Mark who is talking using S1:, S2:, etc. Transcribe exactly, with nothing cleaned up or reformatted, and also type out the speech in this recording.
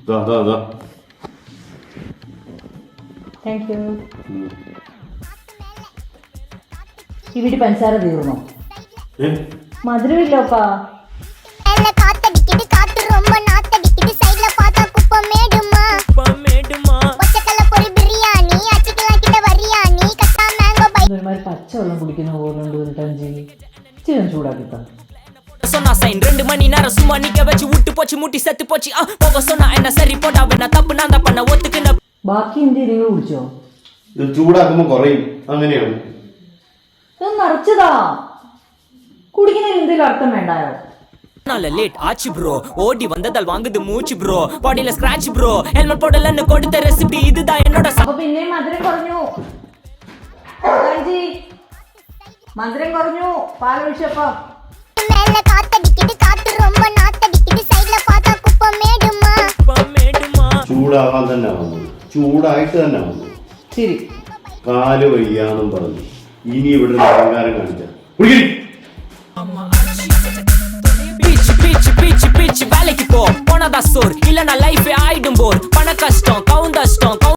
S1: Thank you. ഈ വീട്ടിൽ പഞ്ചസാര തീർന്നോ? മധുരമില്ലോപ്പാ. ഒരുമാതിരി പച്ചവെള്ളം കുടിക്കുന്ന പോലെ ടഞ്ചി ചിരം ചൂടാക്കിത്താ.
S2: சொன்னா சைன் ரெண்டு மணி நேரம் சும்மா நிக்க வச்சு விட்டு போச்சு முட்டி செத்து போச்சு போக சொன்னா என்ன சரி போட்டா வேணா தப்பு நான் தான் பண்ண ஒத்துக்குன.
S1: ബാക്കി എന്ത് നിങ്ങൾ കുടിച്ചോ?
S3: ഇത് ചൂടാക്കുമ്പോ കുറയും, അങ്ങനെയാണ്.
S1: ഇത് നിറച്ചതാ, കുടിക്കുന്നതിന് എന്തെങ്കിലും അർത്ഥം വേണ്ടായോ?
S2: நால லேட் ஆச்சு ப்ரோ, ஓடி வந்ததால் வாங்குது மூச்சு ப்ரோ, பாடியில ஸ்கிராட்ச் ப்ரோ, ஹெல்மெட் போடலன்னு கொடுத்த ரெசிபி இதுதான் என்னோட.
S1: അപ്പൊ പിന്നെ മധുരം കുറഞ്ഞു ടഞ്ചി, മധുരം കുറഞ്ഞു പാലൊഴിച്ചപ്പം.
S3: ചൂടാവാൻ തന്നെ വന്നത്, ചൂടായിട്ട് തന്നെ വന്നു.
S1: ശരി,
S3: കാല് വയ്യാന്നും പറഞ്ഞു. ഇനി ഇവിടെ അഹങ്കാരം കാണിച്ച
S2: பீச் பீச் பீச் பீச் வேலைக்கு போ போனதா சோர் இல்லனா லைஃபே ஆயிடும் போர் பண கஷ்டம்